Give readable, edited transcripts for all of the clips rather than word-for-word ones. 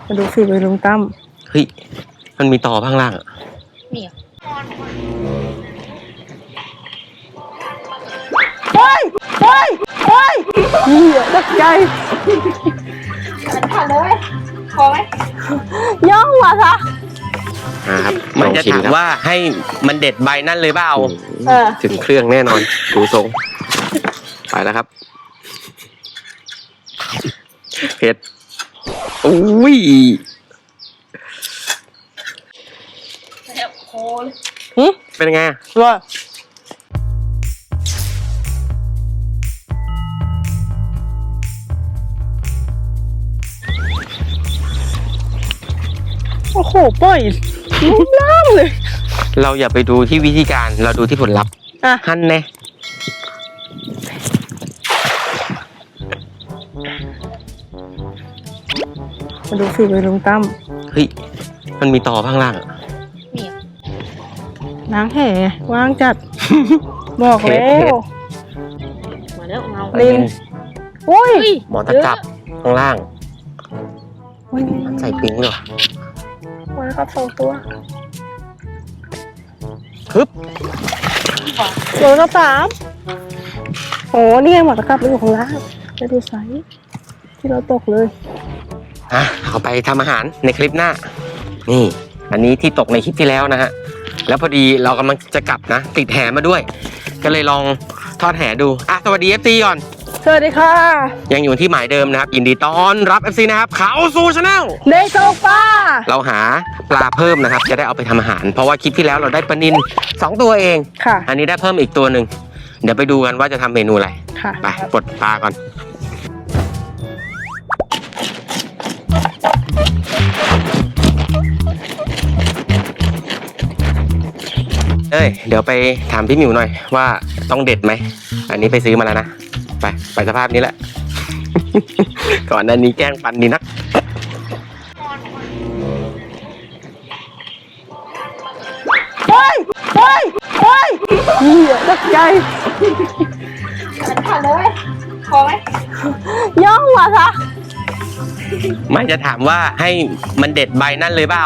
มาดูฝีมือลุงตั้มเฮ้ยมันมีต่อข้างล่างอ่ะนี่เฮ้ยเฮ้ยเฮ้ยเหี้ยตกใจผ่านเลยพอไหมย่องมาซะครับมันจะถามว่าให้มันเด็ดใบนั่นเลยเปล่าถึงเครื่องแน่นอนดูทรงไปแล้วครับเผ็ดอุ้ยเป็นไงว่าโอ้โหปล่อยน้ำเลยเราอย่าไปดูที่วิธีการเราดูที่ผลลัพธ์หั่นแน่มาดูฝีมือลุงตั้มเฮ้ยมันมีต่อข้างล่างอ่ะนี่ล้างแห่ว่างจัดบอกแล้วมาแล้วเงาลินโอ้ยหมอตะกับข้างล่างใส่ปิ้งเลยวันครับ2 ตัวฮึบโลละ3โอ้นี่ไงหมอตะกับมันอยู่ข้างล่างไปดูไซส์ที่เราตกเลยเอาไปทำอาหารในคลิปหน้านี่อันนี้ที่ตกในคลิปที่แล้วนะฮะแล้วพอดีเรากำลังจะกลับนะติดแหมาด้วยก็เลยลองทอดแหดูสวัสดี FC ก่อนสวัสดีค่ะยังอยู่ที่หมายเดิมนะครับยินดีต้อนรับ FC นะครับเขาสู่ชาแนลเดโซฟาเราหาปลาเพิ่มนะครับจะได้เอาไปทำอาหารเพราะว่าคลิปที่แล้วเราได้ปลานิล2 ตัวเองค่ะอันนี้ได้เพิ่มอีกตัวหนึ่งเดี๋ยวไปดูกันว่าจะทำเมนูอะไรไปปลดปลาก่อนเดี๋ยวไปถามพี่หมิวหน่อยว่าต้องเด็ดไหมอันนี้ไปซื้อมาแล้วนะไปสภาพนี้แหละ ก่อนหน้านี้แกล้งปันดีนักเฮ้ยเฮ้ยเฮ้ยเหี้ยตกใจผ่านเลยพอไหมย่องมาซะไม่จะถามว่าให้มันเด็ดใบนั่นเลยเปล่า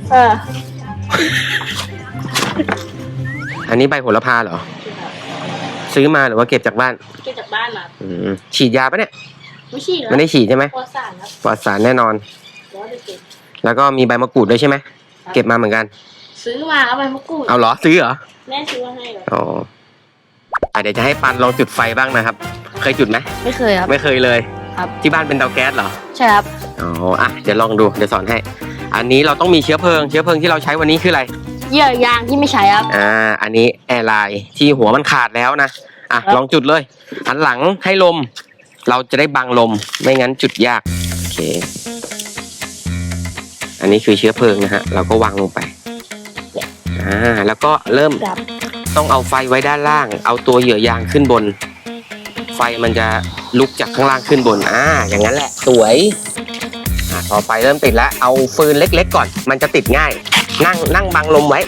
อันนี้ใบโหระพาเหรอซื้อมาหรือว่าเก็บจากบ้านเก็บจากบ้านมาฉีดยาปะเนี่ยไม่ฉีดไม่ได้ฉีดใช่ไหมปลอดสารครับปลอดสารแน่นอนแล้วก็มีใบมะกรูดด้วยใช่ไหมเก็บมาเหมือนกันซื้อมาเอาใบมะกรูดเอาเหรอซื้อเหรอแม่ซื้อมาให้เหรอเดี๋ยวจะให้ปันลองจุดไฟบ้างนะครับเคยจุดไหมไม่เคยครับไม่เคยเลยครับที่บ้านเป็นเตาแก๊สเหรอใช่ครับเดี๋ยวลองดูเดี๋ยวสอนให้อันนี้เราต้องมีเชื้อเพลิงที่เราใช้วันนี้คืออะไรเหยื่อยางที่ไม่ใช้ครับอันนี้แอร์ไลน์ที่หัวมันขาดแล้วนะลองจุดเลยหันหลังให้ลมเราจะได้บังลมไม่งั้นจุดยากโอเคอันนี้คือเชื้อเพลิงนะฮะเราก็วางลงไปแล้วก็เริ่มต้องเอาไฟไว้ด้านล่างเอาตัวเหยื่อยางขึ้นบนไฟมันจะลุกจากข้างล่างขึ้นบนอย่างนั้นแหละสวยพอไฟเริ่มติดแล้วเอาฟืนเล็กๆก่อนมันจะติดง่ายนั่งบังลมไว้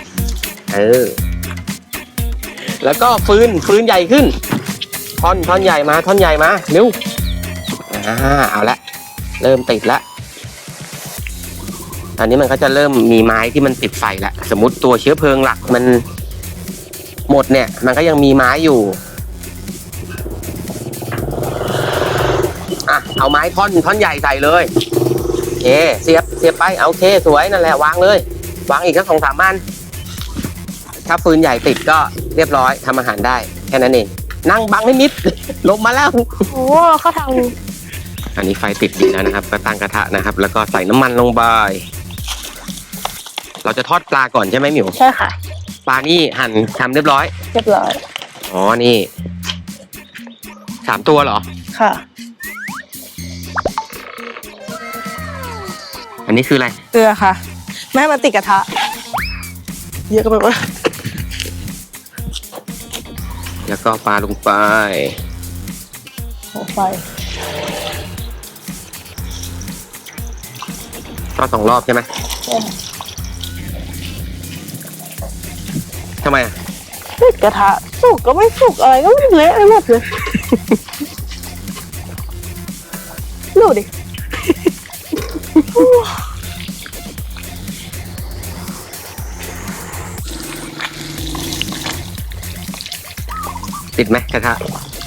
แล้วก็ฟืนใหญ่ขึ้นท่อนใหญ่มาเร็วเอาละเริ่มติดแล้วอันนี้มันก็จะเริ่มมีไม้ที่มันติดไฟแล้วสมมติตัวเชื้อเพลิงหลักมันหมดเนี่ยมันก็ยังมีไม้อยู่เอาไม้ท่อนใหญ่ใส่เลยโอเคเสียบไปโอเคสวยนั่นแหละวางเลยวางอีกสัก2-3 อันถ้าฟืนใหญ่ติดก็เรียบร้อยทำอาหารได้แค่นั้นเองนั่งบังให้มิดลมมาแล้วโอ้เขาทำอันนี้ไฟติดดีแล้วนะครับก็ตั้งกระทะนะครับแล้วก็ใส่น้ำมันลงไปเราจะทอดปลาก่อนใช่ไหมหมิวใช่ค่ะปลานี่หั่นทำเรียบร้อยนี่3 ตัวเหรอค่ะอันนี้คืออะไรเกลือค่ะแม่มาติดกระทะเยอะก็แบบว่าแล้วก็ปลาลงไปไฟก็2 รอบใช่ไหมทำไมติดกระทะสุกก็ไม่สุกอะไรก็ไม่เละไปหมดเลยดูดิติดไหมกระทะ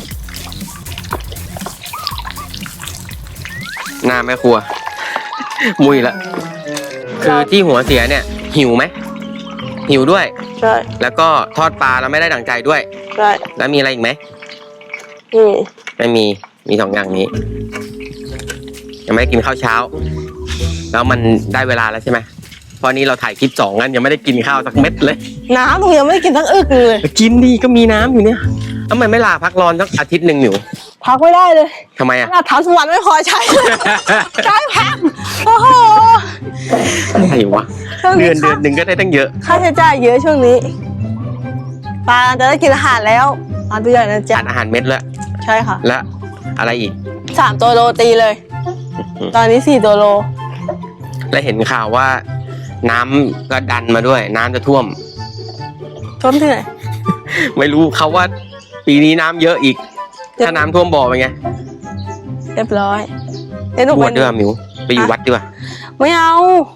หน้าแม่ครัว มุยละคือที่หัวเสียเนี่ย หิวไหมหิวด้วยใช่แล้วก็ทอดปลาแล้วไม่ได้ดั่งใจด้วยใช่แล้วมีอะไรอีกไหมนี่ไม่มีสองอย่างนี้ ยังไม่ได้กินข้าวเช้า แล้วมันได้เวลาแล้วใช่ไหมเพราะนี้เราถ่ายคลิป2งั้นยังไม่ได้กินข้าวสักเม็ดเลยน้ำหนูยังไม่ได้กินทั้งอึกเลยกินดีก็มีน้ำอยู่เนี่ยทำไมไม่ลาพักร้อนสักอาทิตย์หนึ่งอยู่พักไม่ได้เลยทำไมอ่ะขนาดทำสวรรค์ไม่พอใช้ ใช้พักโอ้โหอะไรวะช่วงเดืนี้อนหนึ่งก็ได้ตั้งเยอะค่าใช้จ่ายเยอะช่วงนี้ปลาจะได้กินอาหารแล้วปลาตัวใหญ่นะจ๊ะทานอาหารเม็ดแล้วใช่ค่ะและอะไรอีก 3 ตัวโลตีเลย ตอนนี้4 ตัวโลและเห็นข่าวว่า น้ำก็ดันมาด้วย น้ำจะท่วมท่วมที่ไหนไม่รู้เขาว่า ปีนี้น้ำเยอะอีก ถ้าน้ำท่วมบ่อเป็นไงเรียบร้อยเดี๋ยวหนูบไปวชด้วยมิวไปอยู่วัดดีกว่าไม่เอา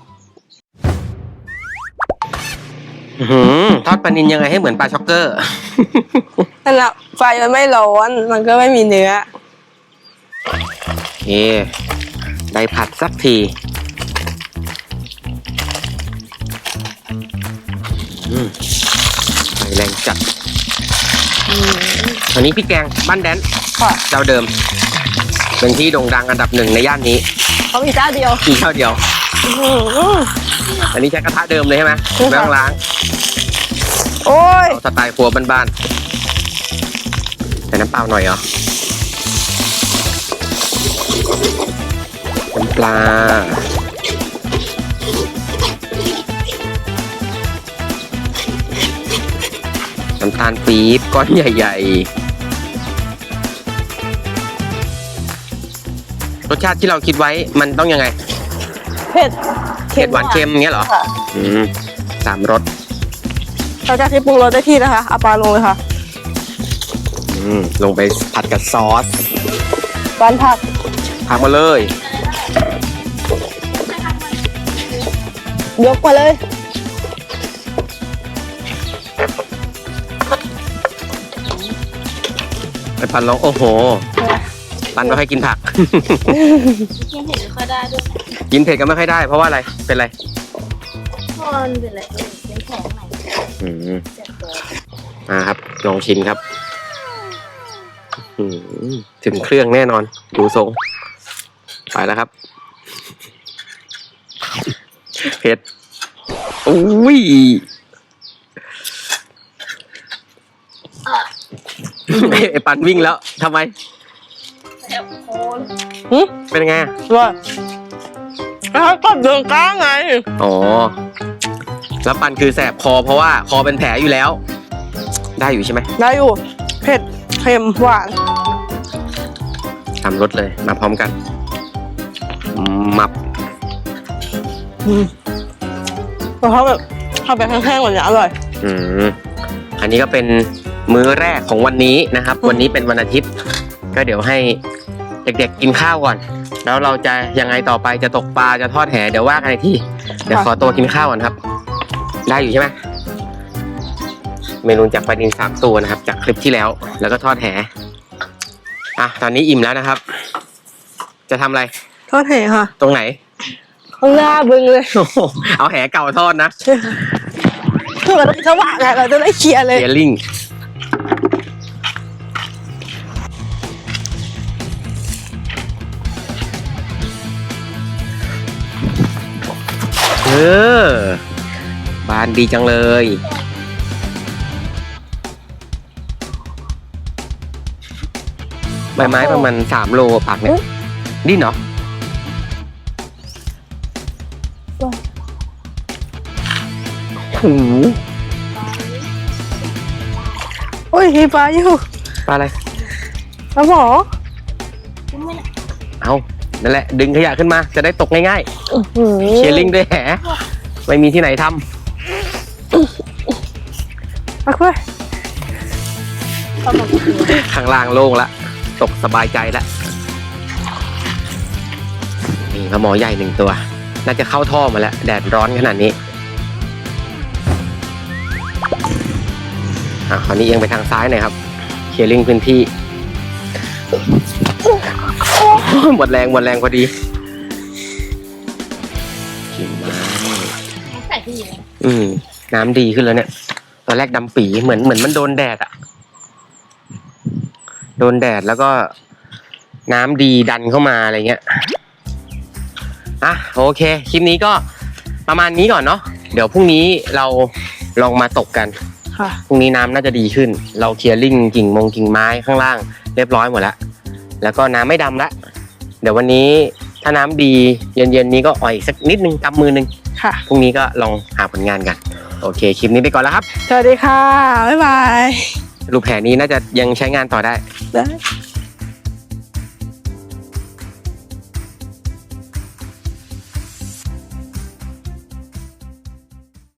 ทอดปลานิลยังไงให้เหมือนปลาช็อกเกอร์นั่นแหละไฟมันไม่ร้อนมันก็ไม่มีเนื้อโอเคได้ผัดสักทีไฟแรงจัดอันนี้พี่แกงบ้านแดนค่ะเจ้าเดิม เป็นที่โด่งดังอันดับ 1ในย่านนี้เขามีเจ้าเดียวมีเท่าเดียว อันนี้ใช้กระทะเดิมเลยใช่ไหมใช่ค่ะไม่ต้องล้างโอ้ยเอาสไตล์ครัวบ้านๆใส่น้ำเปล่าหน่อยเหรอน้ำปลาน้ำตาลปี๊บก้อนใหญ่ๆ รสชาติที่เราคิดไว้มันต้องยังไงเผ็ดเผ็ดหวานเค็มอย่างเงี้ยเหรอค่ะ 3 รสเราจะที่ปรุงรสได้ที่นะคะเอาปลาลงเลยค่ะลงไปผัดกับซอสปลาผักผักมาเลยยกมาเลยไปปันลองโอ้โห ปันไม่ค่อยกินผักกินเห็นไม่ค่อยได้ด้วยกินเผ็ดก็ไม่ค่อยได้เพราะว่าอะไร เป็นไรเพราะมันเป็นอะไรเป็นแผลไหนอืมเจ็บตัวครับลองชิมครับถึงเครื่องแน่นอน ดูทรง ไปแล้วครับ เผ็ดอุ้ยไอปันวิ่งแล้วทำไมแผลโคนเป็นไงอะว่าแล้วก็เดินกลางไงอ๋อ แล้วปันคือแสบคอเพราะว่าคอเป็นแผลอยู่แล้ว ได้อยู่ใช่ไหมได้อยู่ เผ็ด เค็ม หวานทำรสเลย มาพร้อมกัน มับเพราะแบบทำไปแห้งๆแบบนี้อร่อยอันนี้ก็เป็นมื้อแรกของวันนี้นะครับ วันนี้เป็นวันอาทิตย์ ก็เดี๋ยวให้เด็กๆกินข้าวก่อน แล้วเราจะยังไงต่อไปจะตกปลาจะทอดแหเดี๋ยวว่ากันอีกทีเดี๋ยวขอตัวกินข้าวก่อนครับ ได้อยู่ใช่ไหมเมนูจากปลานิล3 ตัวนะครับ จากคลิปที่แล้ว แล้วก็ทอดแหตอนนี้อิ่มแล้วนะครับ จะทำอะไรทอดแห่ค่ะตรงไหนข้างหน้าบึงเลยโอ้โหเอาแหเก่าทอดนะคือเราจะว่างไงเราจะได้เคลียร์เลยเยลลิงบานดีจังเลยใบไม้ประมาณ3 โลปักเนี่ยดิ้นเหรอโอ้โหโอ้ยมีปลาอยู่ปลาอะไรปลาหมอเอานั่นแหละ ดึงขยะขึ้นมา จะได้ตกง่ายอื้อหือๆ เชียร์ลิงด้วยแหไม่มีที่ไหนทมาคุยำข้างล่างโล่งละ ตกสบายใจละนี่ปลาหมอใหญ่1 ตัว น่าจะเข้าท่อมาแล้ว แดดร้อนขนาดนี้คราวนี้เอียงไปทางซ้ายหน่อยครับเคลียร์ลิงพื้นที่ หมดแรงพอดีกิ่งไม้ใส่ที่อยู่แล้วน้ำดีขึ้นแล้วเนี่ย ตอนแรกดำปีเหมือนมันโดนแดดอะโดนแดดแล้วก็น้ำดีดันเข้ามาอะไรเงี้ยโอเคคลิปนี้ก็ประมาณนี้ก่อนเนาะเดี๋ยวพรุ่งนี้เราลองมาตกกันค่ะพรุ่งนี้น้ำน่าจะดีขึ้น เราเคลียร์ลิงกิ่งไม้ข้างล่างเรียบร้อยหมดแล้วแล้วก็น้ำไม่ดำละเดี๋ยววันนี้ถ้าน้ำดีเย็นๆนี้ก็อ่อยสักนิดนึงกำมือนึงค่ะพรุ่งนี้ก็ลองหาผลงานกันโอเคคลิปนี้ไปก่อนแล้วครับสวัสดีค่ะ บ๊ายบายรูปแผนนี้น่าจะยังใช้งานต่อได้ได้